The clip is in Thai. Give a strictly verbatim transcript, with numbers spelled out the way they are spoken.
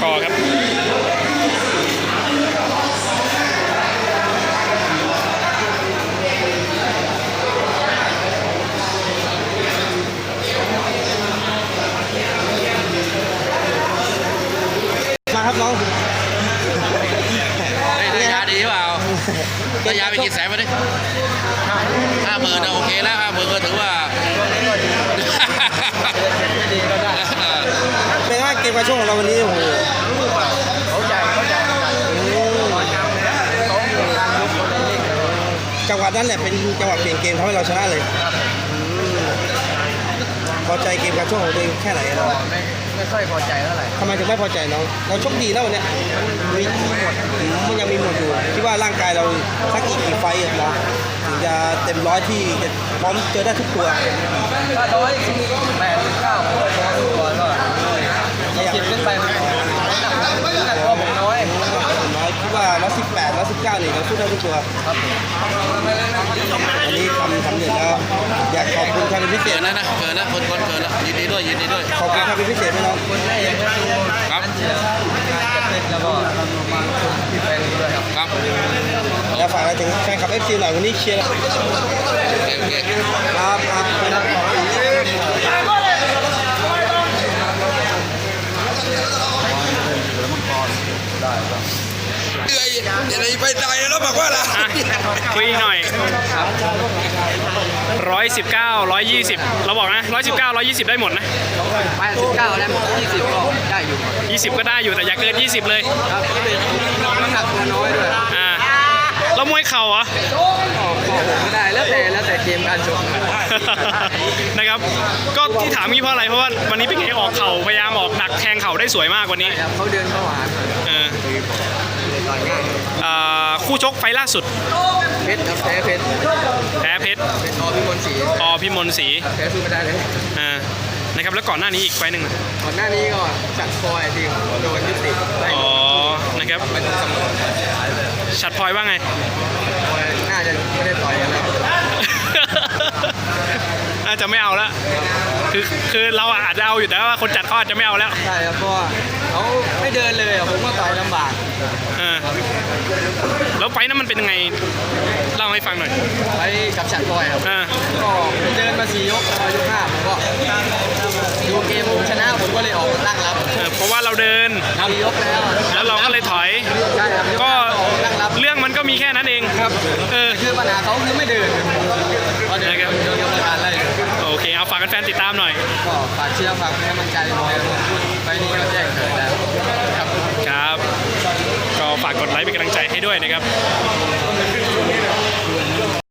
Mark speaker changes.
Speaker 1: กอร์ครับ
Speaker 2: มาครับน้อง
Speaker 3: ระยะดีเปล่าระยะไปกี่แสนมาดิห้าหมื่นโอเคแล้วห้าหมื่นก็ถือว่า
Speaker 2: เป็นไงเกมการชกของเราวันนี้โอ้โหเขาใจเขาใจจังหวะนั้นแหละเป็นจังหวะเปลี่ยนเกมทำให้เราชนะเลยพอใจเกมการชกของตัวเองแค่ไหนเรา
Speaker 4: ไม่ไม่ค่อยพอใจเท่าไหร่
Speaker 2: ทำไมถึงไม่พอใจน้องเราชกดีแล้ววันนี้มีมันยังมีหมดอยู่คิดว่าร่างกายเราสักอีกกี่ไฟต์เราถึงจะเต็มร้อยที่จะพร้อมเจอได้ทุกตัว
Speaker 4: ถ้าร้อยแปดสิบเก้าพอทุกตัวก็ยี่สิบขึ้นไปมันหนักหนักตัวผมน้อย
Speaker 2: น้อยคิดว่าร้อยสิบแปดร้อยสิบเก้านี่เราสู้ได้ทุกตัว
Speaker 4: ครับ
Speaker 2: อันนี้ทำทำเสร็จแล้วอยากขอบคุณใครเป็นพิเศษ
Speaker 3: เกินแล้วนะเกินแล้วคนคนเกินแล้วยินดีด้วยยินดีด้วย
Speaker 2: ขอบคุณใครเป็นพิเศษไหมน้อง
Speaker 4: คนแรกยังก็คือครับเชียร์จัดเต็มแล้วก็มาที่แฟนด้วยครับ
Speaker 3: ครับ
Speaker 2: แล้วฝากอะไรถึงแฟนคลับ เอฟ ซี หน่อยวันนี้เชียร์ครับครับ
Speaker 3: เอ้ยอย่าไปไปตายแล้วบอกว่าล่ะ
Speaker 1: คุยหน่อยร้อยสิบเก้าร้อยยี่สิบเราบอกนะร้อยสิบเก้าร้อยยี่สิบได้หมดนะ
Speaker 4: แปดสิบเก้าแล้วยี่สิบก็ได้อยู่
Speaker 1: ยี่สิบก็ได้อยู่แต่อย่าเกินยี่สิบเลย
Speaker 4: ครับน้ำหนักตัวน้อยด้วย
Speaker 1: อ่าแล้วมวยเข่าเหรอ
Speaker 4: ไม่ได้แล้วแต่แล้วแต่เกมการชก
Speaker 1: นะครับก็ที่ถามงี้เพราะอะไรเพราะว่าวันนี้เป็นไงออกเข่าพยายามออกหนักแทงเข่าได้สวยมากวันนี้
Speaker 4: เขาเดินเข้าหา
Speaker 1: เออคู่ชกไฟล่าสุด
Speaker 4: เพชรครับแพ้เพชร
Speaker 1: แพ้เพชร
Speaker 4: อพิมลศรี
Speaker 1: อพิมลศรี
Speaker 4: แพ้สู้ไม่ได้เลย
Speaker 1: อ่านะครับแล้วก่อนหน้านี้อีกไฟหนึ่ง
Speaker 4: ก่อนหน้านี้ก็ฉัดพลอยทีมโดนยุติ
Speaker 1: อ๋อนะครับฉัดพลอยว่าไง
Speaker 4: น่าจะไม่ได้ต่อยกันแล้ว
Speaker 1: น่าจะไม่เอาแล้วคือคือเราอาจจะเอาอยู่แต่ว่าคนจัดเขาอาจจะไม่เอาแล้ว
Speaker 4: ใช่ครับเพราะว่าเขาไม่เดินเลยผมก็ต่อยลำบาก
Speaker 1: แล้วไฟนั้นมันเป็นยังไงเล่าให้ฟังหน่อย
Speaker 4: ไฟกับฉัดพลอยครับก็เดินมาสี่ยกพอยกห้าผมก็ดูเกมผมชนะผมก็เลยออกตั้งรับ
Speaker 1: เพราะว่าเราเดิน
Speaker 4: สี่ยกแล้ว
Speaker 1: แล้วเราก็เลยถอยก็เรื่องมันก็มีแค่นั้นเอง
Speaker 4: ครับเออคือปัญหาเขาคือไม่เดิน
Speaker 1: นะครับโอเคเอาฝากกันแฟนติดตามหน่อย
Speaker 4: ก็ฝากเชียร์ฝากให้กำลังใจไปนี้ก็แจ้งเกิดแล้วครับ
Speaker 1: ครับก็ฝากกดไลค์เป็นกำลังใจให้ด้วยนะครับ